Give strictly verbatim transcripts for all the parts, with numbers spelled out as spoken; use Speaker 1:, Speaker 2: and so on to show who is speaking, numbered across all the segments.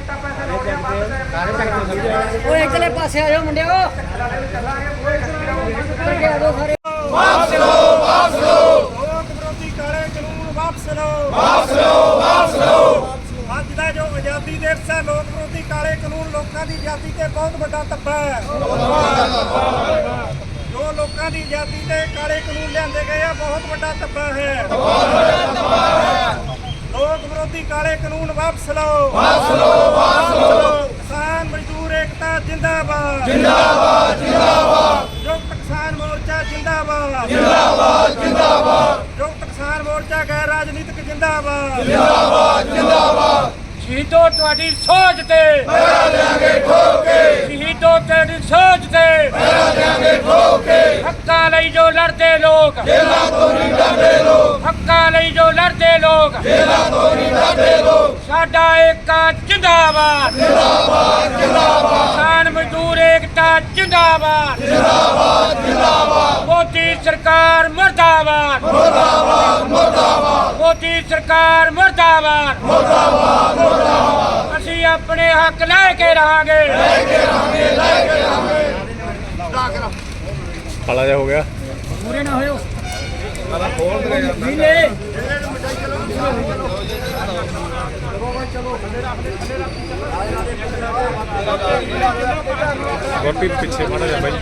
Speaker 1: ਓਏ ਇਧਰਲੇ ਪਾਸੇ ਆ ਜਾਓ ਮੁੰਡਿਓ।
Speaker 2: ਵਾਪਸ ਲਓ ਵਾਪਸ ਲਓ
Speaker 3: ਲੋਕ ਵਿਰੋਧੀ ਕਾਲੇ ਕਾਨੂੰਨ ਵਾਪਸ ਲਓ
Speaker 2: ਵਾਪਸ ਲਓ ਵਾਪਸ ਲਓ
Speaker 3: ਅੱਜ ਦਾ ਜੋ ਆਜ਼ਾਦੀ ਦਿਵਸ ਹੈ, ਲੋਕ ਵਿਰੋਧੀ ਕਾਲੇ ਕਾਨੂੰਨ ਲੋਕਾਂ ਦੀ ਆਜ਼ਾਦੀ ਤੇ ਬਹੁਤ ਵੱਡਾ ਧੱਬਾ ਹੈ। ਜੋ ਲੋਕਾਂ ਦੀ ਆਜ਼ਾਦੀ ਤੇ ਕਾਲੇ ਕਾਨੂੰਨ ਲਿਆਂਦੇ ਗਏ ਆ, ਬਹੁਤ ਵੱਡਾ ਧੱਬਾ ਹੈ। ਲੋਕ ਵਿਰੋਧੀ ਕਾਲੇ ਕਾਨੂੰਨ ਵਾਪਸ ਲਓ
Speaker 2: ਵਾਪਸ ਲਓ ਵਾਪਸ ਲਓ
Speaker 3: ਕਿਸਾਨ ਮਜ਼ਦੂਰ ਏਕਤਾ ਜਿੰਦਾਬਾਦ
Speaker 2: ਜਿੰਦਾਬਾਦ ਜਿੰਦਾਬਾਦ
Speaker 3: ਸੰਯੁਕਤ ਕਿਸਾਨ ਮੋਰਚਾ ਜਿੰਦਾਬਾਦ
Speaker 2: ਜਿੰਦਾਬਾਦ ਜਿੰਦਾਬਾਦ
Speaker 3: ਸੰਯੁਕਤ ਕਿਸਾਨ ਮੋਰਚਾ ਗੈਰ ਰਾਜਨੀਤਿਕ ਜਿੰਦਾਬਾਦ
Speaker 2: ਜਿੰਦਾਬਾਦ ਜਿੰਦਾਬਾਦ
Speaker 4: ਸ਼ਹੀਦੋ ਤੁਹਾਡੀ ਸੋਚ ਤੇ
Speaker 2: ਪਹਿਰਾ ਦੇਾਂਗੇ ਠੋਕ ਕੇ
Speaker 4: ਸ਼ਹੀਦੋ ਤੇਰੀ ਸੋਚ ਤੇ
Speaker 2: ਪਹਿਰਾ ਦੇਾਂਗੇ ਠੋਕ ਕੇ
Speaker 4: ਹੱਕਾਂ ਲਈ ਜੋ ਲੜਦੇ ਲੋਕ
Speaker 2: ਜੇਲਾਂ ਤੋਂ ਨਹੀਂ ਡਰਦੇ ਲੋਕ
Speaker 4: ਹੱਕਾਂ ਲਈ ਜੋ ਲੜਦੇ ਲੋਕ
Speaker 2: ਜੇਲਾਂ ਤੋਂ ਨਹੀਂ ਡਰਦੇ ਲੋਕ
Speaker 4: ਸਾਡਾ ਏਕਾ ਜਿੰਦਾਬਾਦ
Speaker 2: ਜਿੰਦਾਬਾਦ ਜਿੰਦਾਬਾਦ
Speaker 4: ਕਿਸਾਨ ਮਜ਼ਦੂਰ ਏਕਤਾ ਜਿੰਦਾਬਾਦ
Speaker 2: ਜਿੰਦਾਬਾਦ ਜਿੰਦਾਬਾਦ
Speaker 4: ਮੋਦੀ ਸਰਕਾਰ ਮਰਦਾਬਾਦ
Speaker 2: ਮੁਰਦਾਬਾਦ ਮੁਰਦਾਬਾਦ
Speaker 4: ਮੋਦੀ ਸਰਕਾਰ ਮਰਦਾਬਾਦ
Speaker 2: ਮੁਰਦਾਬਾਦ
Speaker 4: ਅਸੀਂ ਆਪਣੇ ਹੱਕ ਲੈ ਕੇ ਰਹਾਂਗੇ
Speaker 2: ਲੈ ਕੇ ਰਹਾਂਗੇ ਲੈ ਕੇ ਰਹਾਂਗੇ
Speaker 5: ਕਾਲਾ ਜਿਹਾ ਹੋ ਗਿਆ।
Speaker 1: ਪੂਰੇ ਨਾ ਹੋਇਓ।
Speaker 5: ਗੁਰਪ੍ਰੀਤ ਪਿੱਛੇ ਮਾੜਾ ਜਾ ਬਾਈ।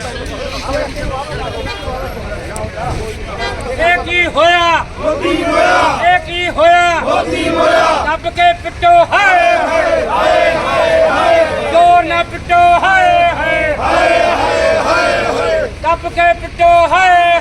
Speaker 4: ਇਹ ਕੀ ਹੋਇਆ
Speaker 2: ਮੋਦੀ ਹੋਇਆ
Speaker 4: ਇਹ ਕੀ ਹੋਇਆ
Speaker 2: ਮੋਦੀ ਹੋਇਆ
Speaker 4: ਦੱਬ ਕੇ ਪਿੱਟੋ ਹਾਏ ਹਾਏ
Speaker 2: ਹਾਏ ਹਾਏ ਹਾਏ
Speaker 4: ਜੋਰ ਨਾ ਪਿੱਟੋ ਹਾਏ ਹਾਏ
Speaker 2: ਹਾਏ ਹਾਏ ਹਾਏ
Speaker 4: ਦੱਬ ਕੇ ਪਿੱਟੋ ਹਾਏ